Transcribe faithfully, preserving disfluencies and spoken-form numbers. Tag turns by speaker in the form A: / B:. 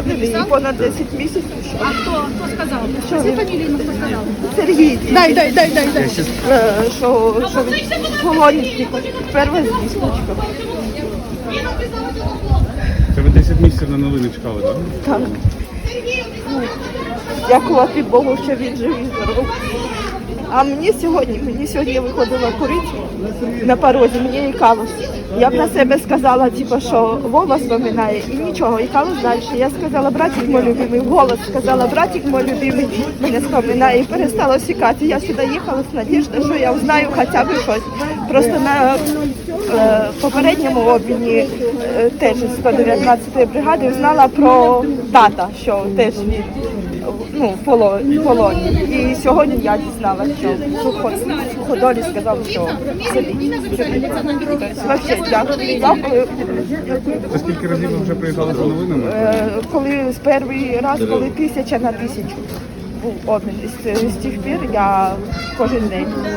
A: ранений і понад десять місяців. Що?
B: А хто? Хто сказав?
A: Що
B: Скажи
A: він?
B: фамілію, ну, хто сказав?
A: Сергій,
B: Дай, дай, дай, дай, дай.
A: е, що, що він голодний, перша звісточка.
C: Це ви десять місяців на новини чекали, так?
A: Так. Ну, дякувати Богу, що він живий, здоровий. А мені сьогодні, мені сьогодні виходила куриця на порозі, мені ікалось. Я б на себе сказала, типу, що Вова споминає і нічого, ікалось далі. Я сказала, братик мой любимий, вголос сказала, братик мой любимий, мене споминає і перестало сікати. Я сюди їхала з надіждою, що я знаю хоча б щось. Просто на е, попередньому обміні е, теж з сто дев'ятнадцятої бригади знала про тата, що теж він ну, в поло- в полоні. І сьогодні я дізналася, що сухо- суходолі сказав, що в селі. Тобто, вообще, дякую. Дякую.
C: Це скільки разів ви вже приїжджали за новинами?
A: Е, Коли з перший раз, коли тисяча на тисячу був обмін, з, з тих пір я кожен день.